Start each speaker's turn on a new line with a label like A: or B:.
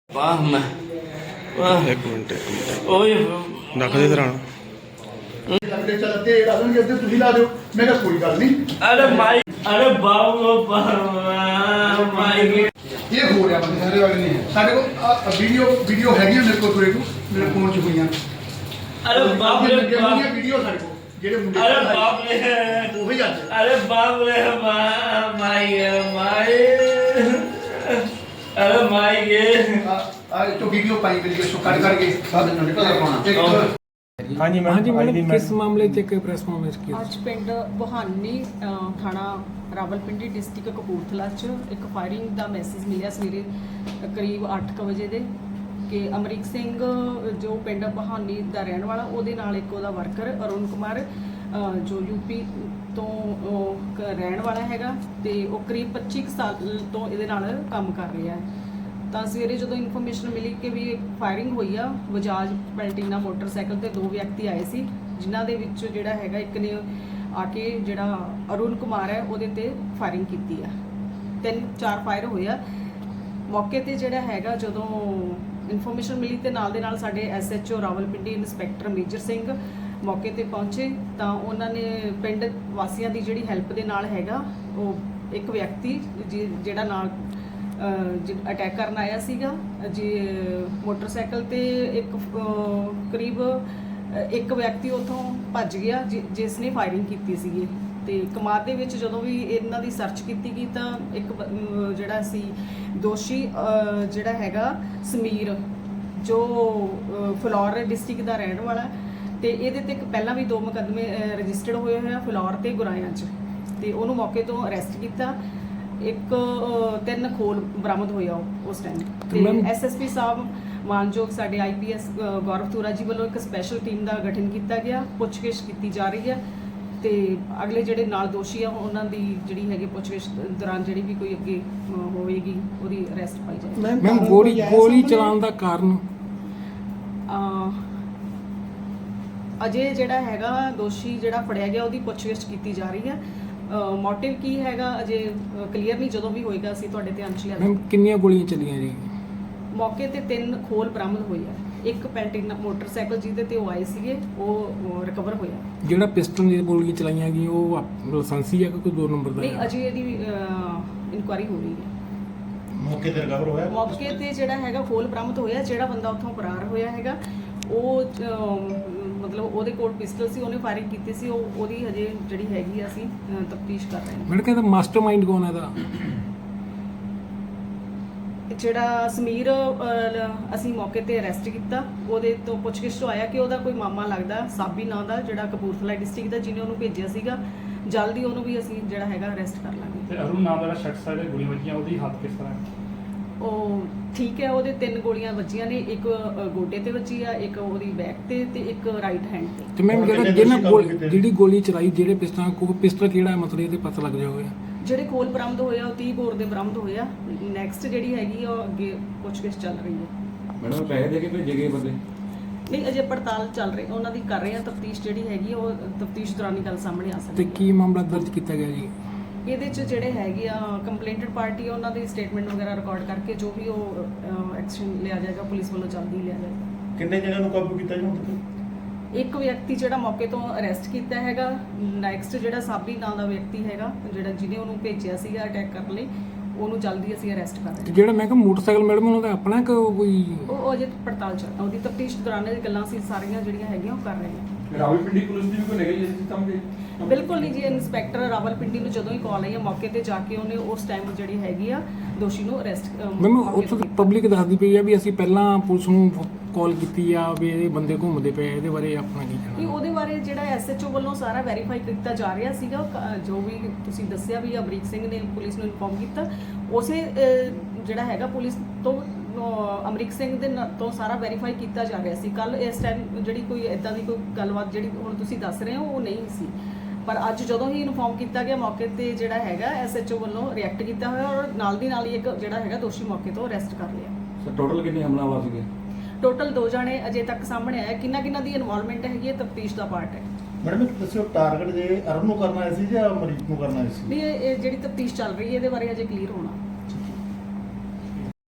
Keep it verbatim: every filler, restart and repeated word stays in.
A: वाह मैं वाह
B: एक मिनट एक मिनट
A: ओए
B: रख दे दरान
C: लगते चलते राजन के अंदर तुझी ला दो मैं कहा कोई गल नहीं
A: अरे माई अरे बाबू माई
C: ये हो रहा बंदे सारे वाले नहीं है सारे को वीडियो वीडियो हैगी मेरे को थोड़े को मेरे फोन च हुई
A: अरे बाप रे बाप
C: वीडियो सारे को जेडे मुंडे
A: अरे बाप रे
C: वही आज
A: अरे बाप रे माई माई अरे माई ये
C: आज तो वीडियो पाई वीडियो सो काट काट के सब निकल पाना
B: हाँ जी
D: हाँ जी
B: मैडम
D: मैडम किस मामले च एक प्रेस ਕਾਨਫਰੰਸ ਕੀਤੀ
E: ਅੱਜ ਪਿੰਡ ਬਹਾਨੀ ਅ, ਥਾਣਾ ਰਾਵਲਪਿੰਡੀ ਡਿਸਟ੍ਰਿਕਟ ਕਪੂਰਥਲਾ 'ਚ ਇੱਕ ਫਾਇਰਿੰਗ ਦਾ ਮੈਸੇਜ ਮਿਲਿਆ ਸਵੇਰੇ ਅ, ਕਰੀਬ ਅੱਠ ਕੁ ਵਜੇ ਦੇ ਕਿ ਅਮਰੀਕ ਸਿੰਘ ਜੋ ਪਿੰਡ ਬਹਾਨੀ ਦਾ ਰਹਿਣ ਵਾਲਾ ਉਹਦੇ ਨਾਲ ਇੱਕ ਉਹਦਾ ਵਰਕਰ ਅਰੁਣ ਕੁਮਾਰ ਅ, ਜੋ ਯੂਪੀ ਤੋਂ ਉਹ ਕ- ਰਹਿਣ ਵਾਲਾ ਹੈਗਾ ਤੇ ਉਹ ਕਰੀਬ ਪੱਚੀ ਕੁ ਸਾਲ ਤੋਂ ਇਹਦੇ ਨਾਲ ਕੰਮ ਕਰ ਰਿਹਾ ਹੈ। ਤਾਂ ਸਵੇਰੇ ਜਦੋਂ ਇਨਫੋਰਮੇਸ਼ਨ ਮਿਲੀ ਕਿ ਵੀ ਫਾਇਰਿੰਗ ਹੋਈ ਆ ਬਜਾਜ ਪੈਲਟੀਨਾ ਮੋਟਰਸਾਈਕਲ ਤੇ ਦੋ ਵਿਅਕਤੀ ਆਏ ਸੀ ਜਿਨ੍ਹਾਂ ਦੇ ਵਿੱਚ ਜਿਹੜਾ ਹੈਗਾ ਇੱਕ ਨੇ ਆ ਕੇ ਜਿਹੜਾ ਅਰੁਣ ਕੁਮਾਰ ਹੈ ਉਹਦੇ ਤੇ ਫਾਇਰਿੰਗ ਕੀਤੀ ਆ। ਤਿੰਨ ਚਾਰ ਫਾਇਰ ਹੋਏ ਆ। ਮੌਕੇ ਤੇ ਜਿਹੜਾ ਹੈਗਾ ਜਦੋਂ ਇਨਫੋਰਮੇਸ਼ਨ ਮਿਲੀ ਤੇ ਨਾਲ ਦੇ ਨਾਲ ਸਾਡੇ ਐਸਐਚਓ ਰਾਵਲਪਿੰਡੀ ਇੰਸਪੈਕਟਰ ਮੇਜਰ ਸਿੰਘ ਮੌਕੇ ਤੇ ਪਹੁੰਚੇ ਤਾਂ ਉਹਨਾਂ ਨੇ ਪਿੰਡ ਵਾਸੀਆਂ ਦੀ ਜਿਹੜੀ ਹੈਲਪ ਦੇ ਨਾਲ ਹੈਗਾ ਉਹ ਇੱਕ ਵਿਅਕਤੀ ਜਿ- ਜਿਹੜਾ ਨਾਲ ਅਟੈਕ ਕਰਨ ਆਇਆ ਸੀਗਾ ਜੀ ਮੋਟਰਸਾਈਕਲ ਤੇ ਇੱਕ ਅਹ, ਕਰੀਬ ਅਹ, ਇੱਕ ਵਿਅਕਤੀ ਉੱਥੋਂ ਭੱਜ ਗਿਆ ਜਿ- ਜਿਸ ਨੇ ਫਾਇਰਿੰਗ ਕੀਤੀ ਸੀਗੀ ਤੇ ਕਮਾਦ ਦੇ ਵਿੱਚ ਜਦੋਂ ਵੀ ਇਹਨਾਂ ਦੀ ਸਰਚ ਕੀਤੀ ਗਈ ਤਾਂ ਇੱਕ ਬ- ਅਮ, ਜਿਹੜਾ ਸੀ ਦੋਸ਼ੀ ਅਹ, ਜਿਹੜਾ ਹੈਗਾ ਸਮੀਰ ਜੋ ਅਹ, ਫਲੌਰ ਡਿਸਟ੍ਰਿਕਟ ਦਾ ਰਹਿਣ ਵਾਲਾ ਹੈ ਤੇ ਇਹਦੇ ਤੇ ਇੱਕ ਪਹਿਲਾਂ ਵੀ ਦੋ ਮੁਕੱਦਮੇ ਰਜਿਸਟਰਡ ਹੋਏ ਹੋਏ ਆ ਫਲੌਰ ਤੇ ਗੁਰਾਇਆਂ 'ਚ ਤੇ ਉਹਨੂੰ ਮੌਕੇ ਤੋਂ ਅਰੈਸਟ ਕੀਤਾ। ਇੱਕ ਅ, ਤਿੰਨ ਖੋਲ ਬਰਾਮਦ ਹੋਇਆ ਉਹ- ਉਸ ਟਾਈਮ ਤੇ
D: ਮੈਮ-
E: ਐਸਐਸਪੀ ਸਾਹਿਬ ਮਾਨਯੋਗ ਸਾਡੇ ਆਈਪੀਐਸ ਗੌਰਵ ਤੂਰਾ ਜੀ ਵੱਲੋਂ ਇੱਕ ਸਪੈਸ਼ਲ ਟੀਮ ਦਾ ਗਠਨ ਕੀਤਾ ਗਿਆ। ਪੁੱਛਗਿੱਛ ਕੀਤੀ ਜਾ ਰਹੀ ਹੈ ਤੇ ਅਗਲੇ ਜਿਹੜੇ ਨਾਲ ਦੋਸ਼ੀ ਆ ਉਹਨਾਂ ਦੀ ਜਿਹੜੀ ਹੈਗੀ ਪੁੱਛਗਿੱਛ ਦੌਰਾਨ ਜਿਹੜੀ ਵੀ ਕੋਈ ਅੱਗੇ ਅ, ਹੋਵੇਗੀ ਉਹਦੀ ਅਰੈਸਟ ਪਾਈ ਜਾਏਗੀ।
D: ਮੈਮ ਗੋਲੀ ਗੋਲੀ ਚਲਾਉਣ ਦਾ ਕਾਰਨ
E: ਅ, ਅਜੇ ਜਿਹੜਾ ਹੈਗਾ ਦੋਸ਼ੀ ਜਿਹੜਾ ਫੜਿਆ ਗਿਆ ਉਹਦੀ ਪੁੱਛਗਿੱਛ ਕੀਤੀ ਜਾ ਰਹੀ ਹੈ। ਮੋਟਿਵ ਕੀ ਹੈਗਾ ਅਜੇ ਕਲੀਅਰ ਨਹੀਂ, ਜਦੋਂ ਵੀ ਹੋਏਗਾ ਅਸੀਂ ਤੁਹਾਡੇ ਧਿਆਨ 'ਚ ਲਿਆ
D: ਮੈਮ ਕਿੰਨੀਆਂ ਗੋਲੀਆਂ ਚੱਲੀਆਂ ਜੀ?
E: ਮੌਕੇ ਤੇ ਤਿੰਨ ਖੋਲ ਬਰਾਮਦ ਹੋਏ ਆ। ਇੱਕ ਪੈਲਟੀਨਾ ਮੋਟਰਸਾਈਕਲ ਜਿਹਦੇ ਤੇ ਉਹ ਆਏ ਸੀਗੇ ਉਹ ਰਿਕਵਰ ਹੋਇਆ।
D: ਜਿਹੜਾ ਪਿਸਟਲ ਦੀਆਂ ਗੋਲੀਆਂ ਚਲਾਈਆਂ ਗਈਆਂ ਉਹ ਆਪ- ਲਾਇਸੈਂਸੀ ਹੈ ਕਿ ਕੋਈ ਦੋ ਨੰਬਰ ਦਾ
E: ਨਹੀਂ
D: ਹੈ?
E: ਅਜੇ ਇਹਦੀ ਇਨਕੁਆਇਰੀ ਹੋ ਰਹੀ ਹੈ।
B: मौके ते रिकवर होया
E: ਮੌਕੇ ਤੇ ਜਿਹੜਾ ਹੈਗਾ ਖੋਲ ਬਰਾਮਦ ਹੋਇਆ। ਜਿਹੜਾ ਬੰਦਾ ਉੱਥੋਂ ਫਰਾਰ ਹੋਇਆ ਹੈਗਾ ਉਹ ਅਮ, ਮਤਲਬ ਉਹਦੇ ਕੋਲ ਪਿਸਟਲ ਸੀ, ਉਹਨੇ ਫਾਇਰਿੰਗ ਕੀਤੀ ਸੀ। ਉਹ ਉਹਦੀ ਹਜੇ ਜਿਹੜੀ ਹੈਗੀ ਆ ਅਸੀਂ ਤਫਤੀਸ਼ ਕਰ ਰਹੇ ਹਾਂ।
D: ਮੈਨੂੰ ਕਹਿੰਦਾ ਮਾਸਟਰਮਾਈਂਡ ਕੌਣ ਹੈ ਇਹਦਾ?
E: ਜਿਹੜਾ ਸਮੀਰ ਅਹ, ਅਸੀਂ ਮੌਕੇ ਤੇ ਅਰੈਸਟ ਕੀਤਾ। ਉਹਦੇ ਤੋਂ ਪੁੱਛਗਿੱਛ ਤੋਂ ਆਇਆ ਕਿ ਉਹਦਾ ਕੋਈ ਮਾਮਾ ਲੱਗਦਾ ਸਾਬੀ ਨਾਂ ਦਾ ਜਿਹੜਾ ਕਪੂਰਥਲਾ ਡਿਸਟ੍ਰਿਕਟ ਦਾ ਜਿਹਨੇ ਉਹਨੂੰ ਭੇਜਿਆ ਸੀਗਾ। ਜਲਦੀ ਉਹਨੂੰ ਵੀ ਅਸੀਂ ਜਿਹੜਾ ਹੈਗਾ ਅਰੈਸਟ ਕਰ ਲਾਂਗੇ।
F: ਤੇ ਅਰੁਣ ਨਾਮ ਦਾ ਜਿਹੜਾ ਸ਼ਖਸ ਹੈ ਜਿਹੜੇ ਗੋਲੀਆਂ ਵੱਜੀਆਂ ਉਹਦੀ ਹਾਲਤ ਕਿਸ ਤਰ੍ਹਾਂ ਹੈ?
E: ਉਹ ਠੀਕ ਹੈ। ਉਹਦੇ ਤਿੰਨ ਗੋਲੀਆਂ ਵੱਜੀਆਂ ਨੇ। ਇੱਕ ਅ, ਗੋਡੇ ਤੇ ਵੱਜੀ ਆ, ਇੱਕ ਉਹਦੀ ਬੈਕ ਤੇ ਤੇ ਇੱਕ ਰਾਈਟ ਹੈਂਡ ਤੇ।
D: ਤੇ ਮੈਮ ਜਿਹੜਾ ਜਿਹਨਾਂ ਗੋਲੀ ਜਿਹੜੀ ਗੋਲੀ ਚਲਾਈ ਜਿਹੜੇ ਪਿਸਟਲ ਕੋ ਪਿਸਟਲ ਕਿਹੜਾ ਹੈ ਮਤਲਬ ਇਹਦੇ ਪਤਾ ਲੱਗ ਜਾਊਗਾ?
E: ਜਿਹੜੇ ਖੋਲ ਬਰਾਮਦ ਹੋਏ ਆ ਉਹ ਤੀਹ ਬੋਰ ਦੇ ਬਰਾਮਦ ਹੋਏ ਆ। ਨੈਕਸਟ ਜਿਹੜੀ ਹੈਗੀ ਆ ਉਹ ਅੱਗੇ ਪੁੱਛਗਿੱਛ ਚੱਲ ਰਹੀ ਹੈ।
G: ਮੈਡਮ ਪੈਸੇ ਦੇ ਕੇ ਭੇਜੇ ਗਏ ਬੰਦੇ?
E: ਨਹੀਂ ਅਜੇ ਪੜਤਾਲ ਚੱਲ ਰਹੀ ਉਹਨਾਂ ਦੀ ਕਰ ਰਹੇ ਆ। ਤਫਤੀਸ਼ ਜਿਹੜੀ ਹੈਗੀ ਆ, ਉਹ ਤਫਤੀਸ਼ ਦੌਰਾਨ ਹੀ ਗੱਲ ਸਾਹਮਣੇ ਆ
D: ਤੇ
E: ਸਕਦੀ ਹੈ।
D: ਕੀ ਮਾਮਲਾ ਦਰਜ ਕੀਤਾ ਗਿਆ ਜੀ?
E: ਇਹਦੇ ਚ ਜਿਹੜੇ ਹੈਗੇ ਆ ਕੰਪਲੇਂਟਡ ਪਾਰਟੀ ਉਹਨਾਂ ਦੀ ਸਟੇਟਮੈਂਟ ਵਗੈਰਾ ਰਿਕਾਰਡ ਕਰਕੇ ਜੋ ਵੀ ਉਹ ਐਕਸ਼ਨ ਲਿਆ ਜਾਏਗਾ ਪੁਲਿਸ ਵੱਲੋਂ ਜਲਦੀ ਲਿਆ ਜਾਏਗਾ।
B: किन्ने जगह नु काबू कीता जी हुण तक?
E: ਇੱਕ ਵਿਅਕਤੀ ਜਿਹੜਾ ਮੌਕੇ ਤੋਂ ਅਰੈਸਟ ਕੀਤਾ ਹੈਗਾ। ਨੈਕਸਟ ਜਿਹੜਾ ਸਾਬੀ ਨਾਂ ਦਾ ਵਿਅਕਤੀ ਹੈਗਾ ਜਿਹੜਾ ਜਿਹਨੇ ਉਹਨੂੰ ਭੇਜਿਆ ਸੀਗਾ ਅਟੈਕ ਕਰਨ ਲਈ, ਉਹਨੂੰ ਜਲਦੀ ਅਸੀਂ ਅਰੈਸਟ ਕਰ ਰਹੇ
D: ਤੇ
E: ਹਾਂ।
D: ਜਿਹੜਾ ਮੈਂ ਕਿਹਾ ਮੋਟਰਸਾਈਕਲ ਮੈਡਮ ਉਹਨਾਂ ਦਾ ਆਪਣਾ ਕਿ ਕੋਈ?
E: ਉਹ ਉਹ ਅਜੇ ਪੜਤਾਲ ਚੱਲ ਉਹਦੀ ਤਫਤੀਸ਼ ਦੌਰਾਨ ਇਹ ਗੱਲਾਂ ਅਸੀਂ ਸਾਰੀਆਂ ਜਿਹੜੀਆਂ ਹੈਗੀਆਂ ਉਹ ਕਰ ਰਹੇ ਹਾਂ।
G: ਰਾਵਲਪਿੰਡੀ ਪੁਲਿਸ ਦੀ ਵੀ ਕੋਈ ਨੈਗਲੀਜੈਂਸ ਕੰਮ ਦੇ?
E: ਬਿਲਕੁਲ ਨਹੀਂ ਜੀ। ਇਨਸਪੈਕਟਰ ਰਾਵਲਪਿੰਡੀ ਨੂੰ ਜਦੋਂ ਹੀ ਕਾਲ ਆਈ ਹੈ ਮੌਕੇ ਤੇ ਜਾ ਕੇ ਉਹਨੇ ਉਸ ਟਾਈਮ ਜਿਹੜੀ ਹੈਗੀ ਆ ਦੋਸ਼ੀ ਨੂੰ ਅਰੈਸਟ
D: ਮੈਮ ਉੱਥੋਂ ਪਬਲਿਕ ਦੱਸਦੀ ਪਈ ਆ ਵੀ ਅਸੀਂ ਪਹਿਲਾਂ ਪੁਲਿਸ ਨੂੰ ਕਾਲ ਕੀਤੀ ਆ ਵੀ ਇਹ ਬੰਦੇ ਘੁੰਮਦੇ ਪਏ, ਇਹਦੇ ਬਾਰੇ ਆਪਣਾ ਕੀ
E: ਨਹੀਂ
D: ਕਹਿਣਾ?
E: ਉਹਦੇ ਬਾਰੇ ਜਿਹੜਾ ਐਸਐਚਓ ਵੱਲੋਂ ਸਾਰਾ ਵੈਰੀਫਾਈ ਕੀਤਾ ਜਾ ਰਿਹਾ ਸੀਗਾ। ਉਹ ਕ- ਜੋ ਵੀ ਤੁਸੀਂ ਦੱਸਿਆ ਵੀ ਅਮਰੀਕ ਸਿੰਘ ਨੇ ਪੁਲਿਸ ਨੂੰ ਇਨਫੋਰਮ ਕੀਤਾ, ਉਸੇ ਅਹ, ਜਿਹੜਾ ਹੈਗਾ ਪੁਲਿਸ ਤੋਂ ਅਹ, ਅਮਰੀਕ ਸਿੰਘ ਦੇ ਨ- ਤੋਂ ਸਾਰਾ ਵੈਰੀਫਾਈ ਕੀਤਾ ਜਾ ਰਿਹਾ ਸੀ। ਕੱਲ ਇਸ ਟਾਈਮ ਜਿਹੜੀ ਕੋਈ ਇਦਾਂ ਦੀ ਕੋਈ ਗੱਲਬਾਤ ਜਿਹੜੀ ਹੁਣ ਤੁਸੀਂ ਦੱਸ ਰਹੇ ਹੋ ਉਹ ਨਹੀਂ ਸੀ, ਪਰ ਅੱਜ ਜਦੋਂ ਹੀ ਇਨਫੋਰਮ ਕੀਤਾ ਗਿਆ ਮੌਕੇ ਤੇ ਜਿਹੜਾ ਹੈਗਾ ਐਸਐਚਓ ਵੱਲੋਂ ਰਿਐਕਟ ਕੀਤਾ ਹੋਇਆ ਔਰ ਨਾਲ ਦੀ ਨਾਲ ਹੀ ਇੱਕ ਜਿਹੜਾ ਹੈਗਾ ਦੋਸ਼ੀ ਮੌਕੇ ਤੋਂ ਅਰੈਸਟ ਕਰ ਲਿਆ।
G: ਸਰ ਟੋਟਲ ਕਿੰਨੇ ਹਮਲਾਵਰ ਸੀਗੇ?
E: ਟੋਟਲ ਦੋ ਜਾਣੇ ਅਜੇ ਤੱਕ ਸਾਹਮਣੇ ਆਇਆ। ਕਿੰਨਾ ਕਿੰਨਾ ਦੀ ਇਨਵੋਲਵਮੈਂਟ ਹੈਗੀ ਹੈ ਤਫਤੀਸ਼ ਦਾ ਪਾਰਟ ਹੈ।
B: मैडम एक दस्यो टारगेट जे अरुण नु करना है सी या अमरीक नु करना है सी?
E: ਨਹੀਂ ਇਹ ਇਹ ਜਿਹੜੀ ਤਫਤੀਸ਼ ਚੱਲ ਰਹੀ ਹੈ ਇਹਦੇ ਬਾਰੇ ਅਜੇ ਕਲੀਅਰ ਹੋਣਾ।